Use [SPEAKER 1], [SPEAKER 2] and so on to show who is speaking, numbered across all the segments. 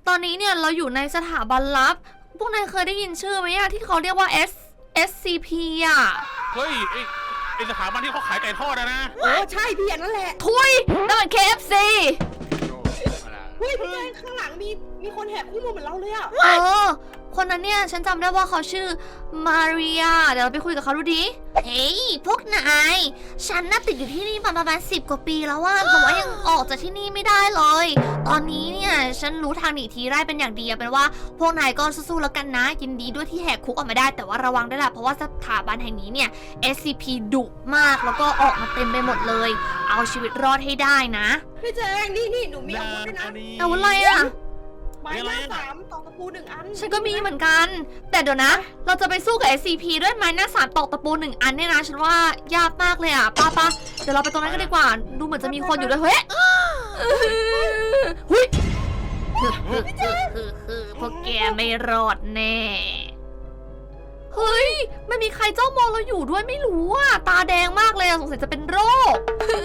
[SPEAKER 1] ตอนนี้เนี่ยเราอยู่ในสถาบันลับพวกนายเคยได้ยินชื่อไหมอะที่เขาเรียกว่า SCP อ่ะ
[SPEAKER 2] เฮ้ยไอสถาบันที่เขาขายไก่ทอดนะ
[SPEAKER 3] ใช่พี่อันนั่นแหละ
[SPEAKER 1] ทุยนั่นมัน KFC
[SPEAKER 3] เฮ้ยพี่แจงข้างหลังมีคนแหกคู่มือเหมือนเราเลยอ่ะ
[SPEAKER 1] คนนั้นเนี่ยฉันจำได้ว่าเขาชื่อมาเรียเดี๋ยวเราไปคุยกับเขาดูดิเฮ้ยพวกนายฉันน่ะติดอยู่ที่นี่มาประมาณ10 กว่าปีแล้วว่าแต่ว่ายังออกจากที่นี่ไม่ได้เลยตอนนี้เนี่ยฉันรู้ทางหนีทีไร่เป็นอย่างดีเป็นว่าพวกนายก็สู้ๆแล้วกันนะยินดีด้วยที่แหกคุกออกมาได้แต่ว่าระวังด้วยล่ะเพราะว่าสถาบันแห่งนี้เนี่ย SCP ดุมากแล้วก็ออกมาเต็มไปหมดเลยเอาชีวิตรอดให้ได้นะ
[SPEAKER 3] พี่แจงนี่หนูมีอาวุธด้วยนะ
[SPEAKER 1] อาวุธอะไรอะ
[SPEAKER 3] ไม้หน้า3ตอกตะปู1 อัน
[SPEAKER 1] ฉันก็มีเหมือนกันแต่เดี๋ยวนะเราจะไปสู้กับ SCP ด้วยไม้หน้า3ตอกตะปู1 อันเนี่ยนะฉันว่ายากมากเลยอ่ะป้าเดี๋ยวเราไปตรงนั้นกันดีกว่าดูเหมือนจะมีคนอยู่ด้วยเฮ้ยหุ้ยพวกแกไม่รอดแน่เฮ้ยไม่มีใครจ้องมองเราอยู่ด้วยไม่รู้อ่ะตาแดงมากเลยสงสัยจะเป็นโรค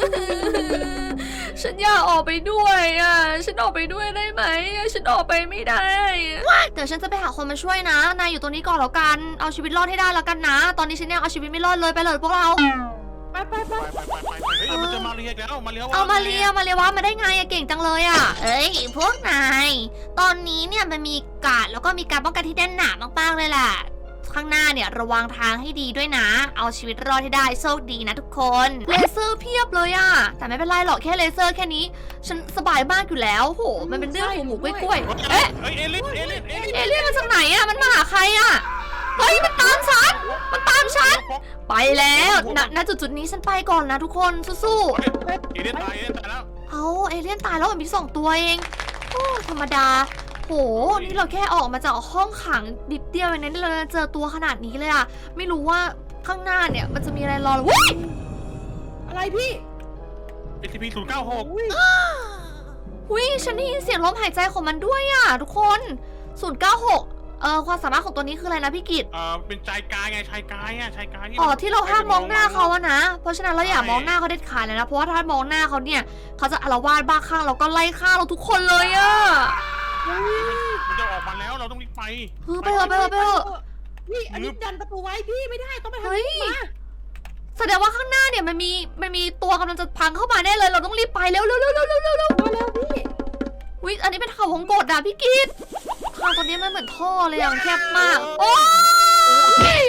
[SPEAKER 1] ฉันอยากออกไปด้วยอ่ะฉันออกไปด้วยได้ไหมฉันออกไปไม่ได้เดี๋ยวฉันจะไปหาคนมาช่วยนะนายอยู่ตรงนี้ก่อนแล้วกันเอาชีวิตรอดให้ได้แล้วกันนะตอนนี้ฉันยังเอาชีวิตไม่รอดเลยไปเลยพวกเรา
[SPEAKER 3] ไป
[SPEAKER 2] เฮ้ยมันจะมาเรียกแล้วมาเรียก
[SPEAKER 1] เอามาเรียว่ามาได้ไงอะเก่งจังเลยอะเอ้ยพวกนายตอนนี้เนี่ยมันมีการ์ดแล้วก็มีการป้องกันที่แน่นหนามากๆเลยแหละข้างหน้าเนี่ยระวังทางให้ดีด้วยนะเอาชีวิตรอดให้ได้โชคดีนะทุกคนเลเซอร์เพียบเลยอะแต่ไม่เป็นไรหรอกแค่เลเซอร์แค่นี้ฉันสบายมากอยู่แล้วโหมันเป็นเรื่องหมูกล้วย
[SPEAKER 2] เอ๊ะเอเลี่ยน
[SPEAKER 1] มาจากไหนอะมันมาหาใครอะเฮ้ยมันตามฉันไปแล้วณจุดนี้ฉันไปก่อนนะทุกคนสู้
[SPEAKER 2] ๆเอเลี่ยนตายแล้ว
[SPEAKER 1] เอาเอเลี่ยนตายแล้วมี2 ตัวเองโอ้ธรรมดาโหนี่เราแค่ออกมาจากห้องขังดิบเดียวเองนะเราเจอตัวขนาดนี้เลยอะไม่รู้ว่าข้างหน้าเนี่ยมันจะมีอะไรรอหรือว้ย
[SPEAKER 3] อะไรพี่
[SPEAKER 2] SCP 096
[SPEAKER 1] หุ้ยฉันได้ยินเสียงลมหายใจของมันด้วยอะทุกคน096ความสามารถของตัวนี้คืออะไรนะพี่กิต
[SPEAKER 2] เป็นชายกายไงชายกาย
[SPEAKER 1] ที่เราห้ามมองหน้าเขาอะนะเพราะฉะนั้นเราอย่ามองหน้าเขาเด็ดขาดเลยนะเพราะว่าถ้ามองหน้าเขาเนี่ยเขาจะอาละวาดบ้าคลั่งแล้วก็ไล่ฆ่าเราทุกคนเลยอะ
[SPEAKER 2] มันจะออกมาแล้วเราต้องรีบไป
[SPEAKER 1] ไปเถอะ
[SPEAKER 3] นี่อันนี้ดันประตูไว้พี่ไม่ได้ต้องไปทางนี้มา
[SPEAKER 1] แสดงว่าข้างหน้าเนี่ยมันมีตัวกำลังจะพังเข้ามาแน่เลยเราต้องรีบไปเร็ว
[SPEAKER 3] พี่
[SPEAKER 1] วิอันนี้เป็นเขาวงกตอะพี่กิตทางตรงนี้มันเหมือนท่อเลยอะมันแคบมากโอ้ย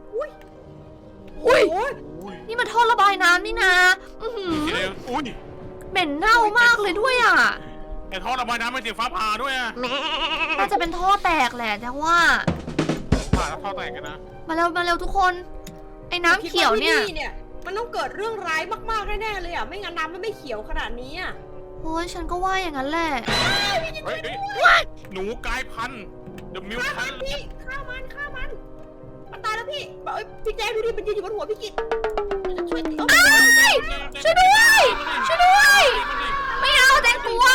[SPEAKER 1] นี่มันท่อระบายน้ำนี่นะเหม็นเน่ามากเลยด้วยอะ
[SPEAKER 2] ไอ้ท่อระบายน้ำมันเสียงฟ้าผ่าด้วยอะ
[SPEAKER 1] น่าจะเป็นท่อแตกแหละแต่ว่า
[SPEAKER 2] ท่อแตกกันนะ
[SPEAKER 1] มาเร็วทุกคนไอ้น้ำเขียวเนี่ย
[SPEAKER 3] มันต้องเกิดเรื่องร้ายมากๆแน่ๆเลยอะไม่งั้นน้ำมันไม่เขียวขนาดนี้อะ
[SPEAKER 1] โอ้ยฉันก็ว่าอย่างนั้นแหละ
[SPEAKER 2] หนูกลายพันธุ์เดอะมิวทัน
[SPEAKER 3] พี่ฆ่ามันตายแล้วพี่พี่แจ๊คดูดิมันยืนอยู่บนหัวพี่กิต
[SPEAKER 1] ช่วยด้วยไม่เอาแตงกลัว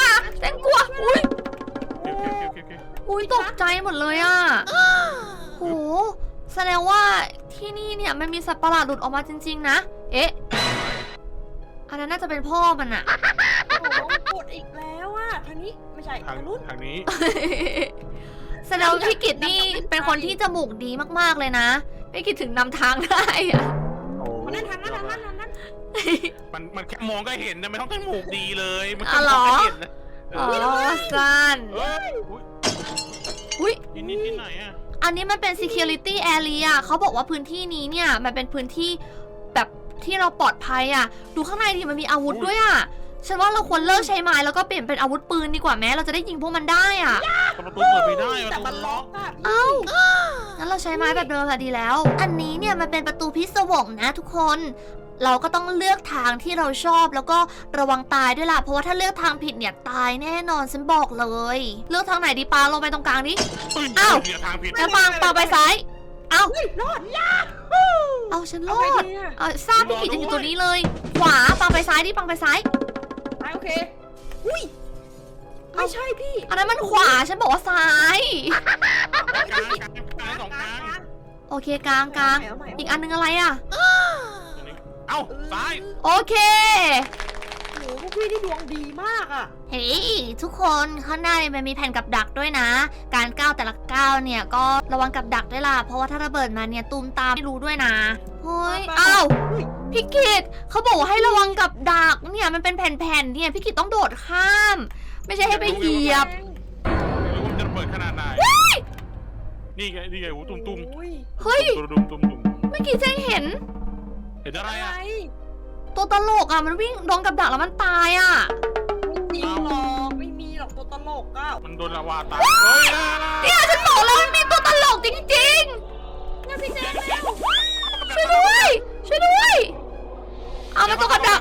[SPEAKER 1] อุ้ยตกใจหมดเลยอ่ะโหแสดงว่าที่นี่เนี่ยมันมีสัตว์ประหลาดหลุดออกมาจริงๆนะเอ๊ะอันนั้นน่าจะเป็นพ่อมันอะ
[SPEAKER 3] กดอีกแล้วอะทางนี้ไม่ใช่ท
[SPEAKER 2] างนี้
[SPEAKER 1] แสดงว่าพี่กิตนี่เป็นคนที่จมูกดีมากๆเลยนะพี่กิตถึงนำทางได้อะ
[SPEAKER 3] นั่นทางนั้น
[SPEAKER 2] มันแค่มองก็เห็นนะไม่ต้องจมูกดีเลยมัน
[SPEAKER 1] ก็เห็นนะสั้น
[SPEAKER 2] อุ้ยนี่ที่ไหนอะ
[SPEAKER 1] อันนี้มันเป็น security area เขาบอกว่าพื้นที่นี้เนี่ยมันเป็นพื้นที่แบบที่เราปลอดภัยอ่ะดูข้างในดิมันมีอาวุธด้วยอ่ะฉันว่าเราควรเลิกใช้ไม้แล้วก็เปลี่ยนเป็นอาวุธปืนดีกว่าแม้เราจะได้ยิงพวกมันได้อ่ะ
[SPEAKER 2] ประตูเปิดไม่ได้
[SPEAKER 3] แต่มันล็อก
[SPEAKER 1] งั้นเราใช้ไม้แบบเดิมค่ะดีแล้วอันนี้เนี่ยมันเป็นประตูพิศวงนะทุกคนเราก็ต้องเลือกทางที่เราชอบแล้วก็ระวังตายด้วยล่ะเพราะว่าถ้าเลือกทางผิดเนี่ยตายแน่นอนฉันบอกเลยเลือกทางไหนดีปาลงไปตรงกลางดิอ้าวงั้นปาไปซ้ายเอา
[SPEAKER 3] รอด
[SPEAKER 1] เอาฉันรอดทราบพี่กิจจะอยู่ตัวนี้เลยขวาปังไปซ้ายดิปังไปซ้าย
[SPEAKER 3] โอเคอุ้ยไม่ใช่พี่
[SPEAKER 1] อันนั้นมันขวาฉันบอกว่าซ้ายโอเคกลางอีกอันนึงอะไรอ่ะ
[SPEAKER 2] เอ้าซ้าย
[SPEAKER 1] โอเค
[SPEAKER 3] พวกพี่นี่ดวงดีมากอ่ะ
[SPEAKER 1] เฮ้ยทุกคนข้างหน้าเนี่ยมันมีแผ่นกับดักด้วยนะ การก้าวแต่ละก้าวเนี่ยก็ระวังกับดักด้วยล่ะ เพราะว่าถ้าระเบิดมาเนี่ยตูมตามไม่รู้ด้วยนะเฮ้ยอ้าวพี่กิตเขาบอกว่าให้ระวังกับดักเนี่ยมันเป็นแผ่นๆเนี่ยพี่กิตต้องโดดข้าม ไม่ใช่ให้ไปเหยียบ
[SPEAKER 2] ไม่รู้ว่ามันจะระเบิดขนาดไหนนี่ไงโอ้ตุ้ม
[SPEAKER 3] โอ้ย
[SPEAKER 1] เฮ้ย
[SPEAKER 2] ตุ้ม
[SPEAKER 1] เมื่อกี้เจ๊เห็น
[SPEAKER 2] เห็นอะไร
[SPEAKER 3] อะไร
[SPEAKER 2] อ่ะ
[SPEAKER 1] ตัวตลกอ่ะมันวิ่งโดนกับดักแล้วมันตายอ่ะ
[SPEAKER 3] ไม่จริงหรอกไม่มีหรอกตัวตลกอ่ะ
[SPEAKER 2] มันโดนลาวาตายเฮ้ย
[SPEAKER 1] เนี่ยฉันบอกแล้วมันมีตัวตลกจริง
[SPEAKER 3] เนี่ยพี่แจ๊คแล้ว
[SPEAKER 1] ๆช่วยด้วยช่วยด้วยเอามาตัวกับดัก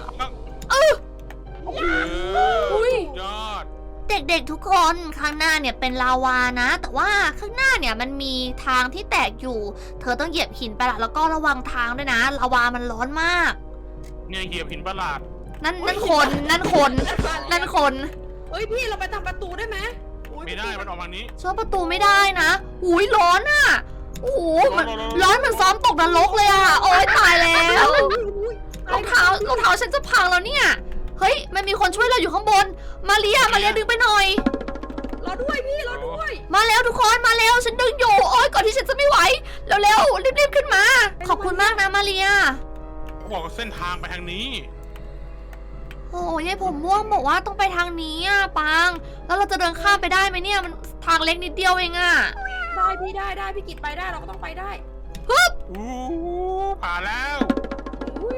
[SPEAKER 1] อุ้ย
[SPEAKER 2] ยอด
[SPEAKER 1] เด็กๆทุกคนข้างหน้าเนี่ยเป็นลาวานะ แต่ว่าข้างหน้าเนี่ยมันมีทางที่แตกอยู่ เธอต้องเหยียบหินไปละแล้วก็ระวังทางด้วยนะลาวามันร้อนมาก
[SPEAKER 2] เนี่ยเหยียบหินประหลาด
[SPEAKER 1] นั่นคนนั่นคน
[SPEAKER 3] เฮ้ยพี่เราไปทำประตูได้ไหม
[SPEAKER 2] ไม่ได้มันออกมานี้
[SPEAKER 1] ซ่อมประตูไม่ได้นะอุ้ยร้อนอ่ะโอ้โหมันร้อนเหมือนซ้อมตกนรกเลยอ่ะโอ๊ยตายแล้วรองเท้าฉันจะพังแล้วเนี่ยเฮ้ยมันมีคนช่วยเราอยู่ข้างบนมาเรียดึงไปหน่อย
[SPEAKER 3] เราด้วยพี่เราด้วย
[SPEAKER 1] มาแล้วทุกคนมาแล้วฉันดึงอยู่โอ๊ยก่อนที่ฉันจะไม่ไหวเร็วๆรีบๆขึ้นมา ขอบคุณมากนะมาเรีย
[SPEAKER 2] เขาบอกว่าเส้นทางไปทางนี้
[SPEAKER 1] โอ้ยายผมม่วงบอกว่าต้องไปทางนี้อ่ะปังแล้วเราจะเดินข้ามไปได้ไหมเนี่ยมันทางเล็กนิดเดียวเองอ่ะ
[SPEAKER 3] ได้พี่ได้พี่กิตไปได้เราก็ต้องไปได้
[SPEAKER 2] อู้ผ่านแล้ว
[SPEAKER 3] อุ๊ย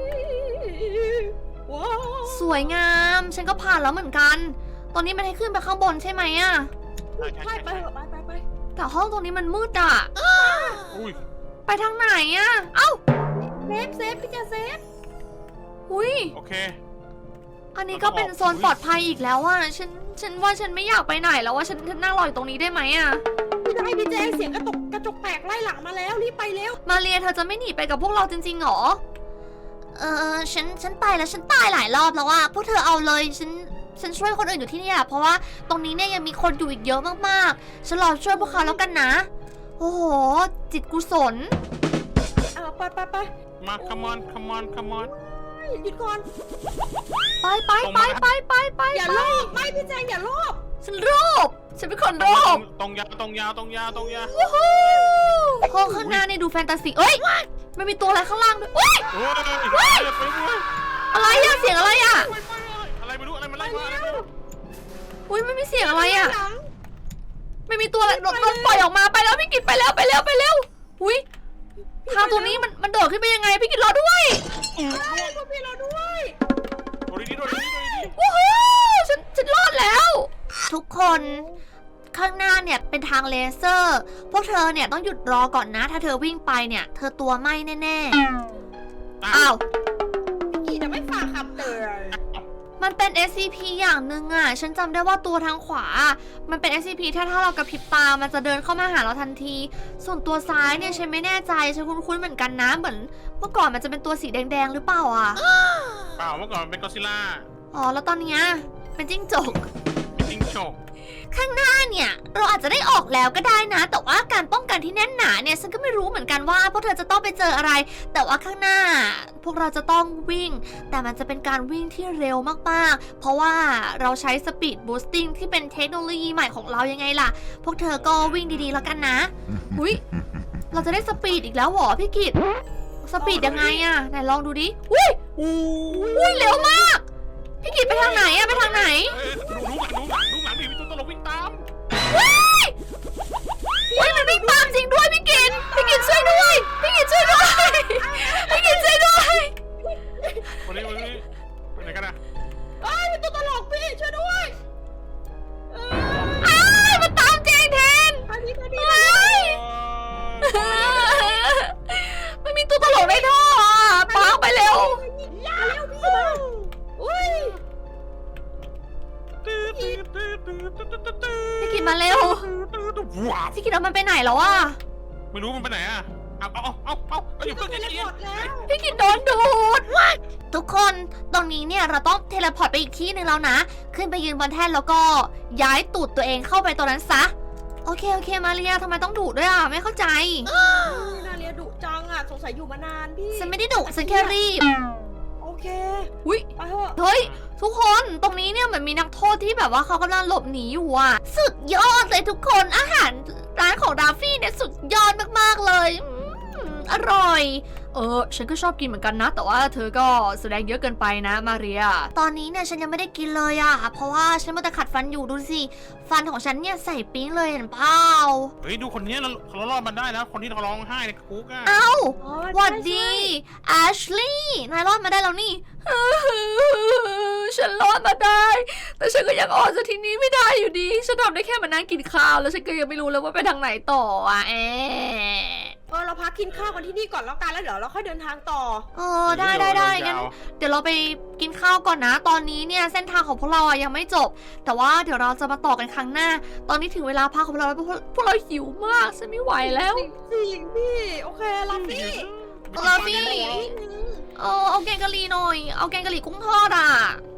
[SPEAKER 3] ว้าว
[SPEAKER 1] สวยงามฉันก็ผ่านแล้วเหมือนกัน ตอนนี้มันให้ขึ้นไปข้างบนใช่ไหมอ่ะ
[SPEAKER 3] ใช่ไปเถอะไป
[SPEAKER 1] แต่ห้องตรงนี้มันมืดอ่ะ
[SPEAKER 2] อุ้ย
[SPEAKER 1] ไปทางไหนอ่ะเอ้า
[SPEAKER 3] เซฟพี่จะเซฟ
[SPEAKER 1] หุย
[SPEAKER 2] โอเค
[SPEAKER 1] อันนี้ก็เป็นโซนปลอดภัยอีกแล้วอ่ะฉันว่าฉันไม่อยากไปไหนแล้วว่าฉันนั่งรออยู่ตรงนี้ได้ไหมอ่ะ
[SPEAKER 3] พี่ได้พี่แจ๊คเสียงกระจกแตกไล่หลังมาแล้วรีบไปเร็ว
[SPEAKER 1] มาเรียเธอจะไม่หนีไปกับพวกเราจริงๆหรอฉันไปแล้วฉันตายหลายรอบแล้วอ่ะพวกเธอเอาเลยฉันช่วยคนอื่นอยู่ที่นี่อ่ะเพราะว่าตรงนี้เนี่ยยังมีคนอยู่อีกเยอะมากๆฉันรอช่วยพวกเขาแล้วกันนะโอ้โหจิตกุศล
[SPEAKER 3] ไป
[SPEAKER 2] มา come on
[SPEAKER 3] หยุดก่อน
[SPEAKER 1] ไป
[SPEAKER 3] อย่าโลภไม่พี่แจ๊คอย่าโลภ
[SPEAKER 1] ฉันโรบฉันเป็นคนโรบ
[SPEAKER 2] ตรงยาว
[SPEAKER 1] วู้ฮู้ห้องข้างหน้าเนี่ยดูแฟนตาซีเอ้ยมันมีตัวอะไรข้างล่างด้วยโอ๊ย
[SPEAKER 2] โอ้ยไปด้วย
[SPEAKER 1] อะไรอะเสียงอะไรอะ
[SPEAKER 2] อะไรไม่รู้อะไรมันไล่มาอะไรไม่รู้
[SPEAKER 1] อุ้ยไม่มีเสียงอะไรอะ
[SPEAKER 3] หลัง
[SPEAKER 1] ไม่มีตัวอะไรโดนปล่อยออกมาไปแล้วพี่กิตไปแล้วอุ้ยทางตัวนี้มันโดดขึ้นไปยังไงพี่กิตรอด้วย
[SPEAKER 3] พวกพี่เราด้วย
[SPEAKER 2] โดนดี
[SPEAKER 1] วู้ฮู้ฉันรอดแล้ว ทุกคนข้างหน้าเนี่ยเป็นทางเลเซอร์พวกเธอเนี่ยต้องหยุดรอก่อนนะ ถ้าเธอวิ่งไปเนี่ยเธอตัวไหม้แน่ๆอ้าว
[SPEAKER 3] พี่กีจะไม่ฝากคำเตือน
[SPEAKER 1] มันเป็น SCP อย่างหนึ่งอ่ะ ฉันจำได้ว่าตัวทางขวา มันเป็น SCP ถ้าเรากระพริบตา มันจะเดินเข้ามาหาเราทันที ส่วนตัวซ้ายเนี่ยฉันไม่แน่ใจ ฉันคุ้นๆเหมือนกันนะ เหมือนเมื่อก่อนมันจะเป็นตัวสีแดงๆหรือเปล่าอ่ะ
[SPEAKER 2] เปล่าเมื่อก่อนมันเป็นก็อดซิลล่า
[SPEAKER 1] อ๋อ แล้วตอนเนี้ยเป็นจิ้งจก
[SPEAKER 2] เป็นจิ้งจก
[SPEAKER 1] ข้างหน้าเนี่ยเราอาจจะได้ออกแล้วก็ได้นะ แต่ว่าการป้องกันที่แน่นหนาเนี่ยฉันก็ไม่รู้เหมือนกันว่าพวกเธอจะต้องไปเจออะไร แต่ว่าข้างหน้า พวกเราจะต้องวิ่ง แต่มันจะเป็นการวิ่งที่เร็วมากๆ เพราะว่าเราใช้สปีดบูสติ้งที่เป็นเทคโนโลยีใหม่ของเรายังไงล่ะ พวกเธอก็วิ่งดีๆแล้วกันนะอุ้ยเราจะได้สปีดอีกแล้วเหรอพี่กิตสปีดยังไงอะไหนลองดูดิอุ้ยเร็วมากพี่กิตไปทางไหนอะไปทางไหน
[SPEAKER 2] ดูหลังมีตัวตลกวิ่งตาม
[SPEAKER 1] ว้ายมันวิ่งตามจริงด้วยพี่กินช่วยด้วยพี่กินช่วยด้วย
[SPEAKER 2] วันนี้ไปไหนกันนะ
[SPEAKER 3] เป็นตัวตลกพี่ช่วยด้วย
[SPEAKER 1] อ้ายมันตามจริงแทน
[SPEAKER 3] ไปพี่
[SPEAKER 1] มันมีตัวตลกในท่ออ่ะปังไปเร็ว
[SPEAKER 3] อย่าเร็วพี่มาอุ้ย
[SPEAKER 1] พี่กินมาเร็ว
[SPEAKER 2] ว้าว
[SPEAKER 1] พี่กินเอามันไปไหนแล้วอ่ะ
[SPEAKER 2] ไม่รู้มันไปไหนอ่ะเอาอยู่
[SPEAKER 3] ต้
[SPEAKER 2] เพิ่
[SPEAKER 3] อง
[SPEAKER 2] ง
[SPEAKER 3] เท
[SPEAKER 2] จะ
[SPEAKER 3] เล
[SPEAKER 2] เย็
[SPEAKER 3] พอร์ตแล้ว
[SPEAKER 1] พี่กินโดนดูดทุกคนตรงนี้เนี่ยเราต้องเทเลพอร์ตไปอีกที่หนึ่งแล้วนะ ขึ้นไปยืนบนแท่นแล้วก็ย้ายตูดตัวเองเข้าไปตรงนั้นซะโอเคมาเรียทำไมต้องดุด้วยอ่ะไม่เข้าใจ
[SPEAKER 3] นาเรียดุจังอ่ะสงสัยอยู่มานานพี่
[SPEAKER 1] ฉันไม่ได้ดุฉันแค่รีบ
[SPEAKER 3] โอเค
[SPEAKER 1] อุ๊ย
[SPEAKER 3] ไปเถอะ
[SPEAKER 1] เฮ้ย ทุกคนตรงนี้เนี่ยเหมือนมีนักโทษที่แบบว่าเขากำลังหลบหนีอยู่อ่ะ สุดยอดเลยทุกคนอาหารร้านของราฟี่เนี่ยสุดยอดมากๆเลยอร่อย ฉันก็ชอบกินเหมือนกันนะ แต่ว่าเธอก็แสดงเยอะเกินไปนะมาเรีย ตอนนี้เนี่ยฉันยังไม่ได้กินเลยอะเพราะว่าฉันมัวแต่ขัดฟันอยู่ดูสิฟันของฉันเนี่ยใส่ปิ๊งเลยเห็นเปล่า
[SPEAKER 2] เฮ้ยดูคนนี้เรารอดมันได้นะคนที่เขาร้องไห้ในคุกอ่ะ
[SPEAKER 1] เอ้า
[SPEAKER 3] อ๋อ
[SPEAKER 1] หวัด
[SPEAKER 3] ใช่
[SPEAKER 1] ดีแอชลี่นายรอดมาได้แล้วนี่ ฉันรอดมาได้ แต่ฉันก็ยังออกจากที่นี้ไม่ได้อยู่ดี ฉันทำได้แค่มานั่งกินข้าว แล้วฉันก็ยังไม่รู้เลยว่าไปทางไหนต่ออ่ะ
[SPEAKER 3] เราพักกินข้าวกันที่นี่ก่อนแล้วกันแล้วเดี๋ยวเราค่อยเดินทางต่อ
[SPEAKER 1] ได้งั้นเดี๋ยวเราไปกินข้าวก่อนนะ ตอนนี้เนี่ยเส้นทางของพวกเราอะยังไม่จบ แต่ว่าเดี๋ยวเราจะมาต่อกันครั้งหน้า ตอนนี้ถึงเวลาพักของพวกเราแล้วพวกเราหิวมากฉันไม่ไหวแล้ว
[SPEAKER 3] จริงพี่โอเคลาฟี่
[SPEAKER 1] ลาฟี่ เอาแกงกะหรี่หน่อย เอาแกงกะหรี่กุ้งทอดอ่ะ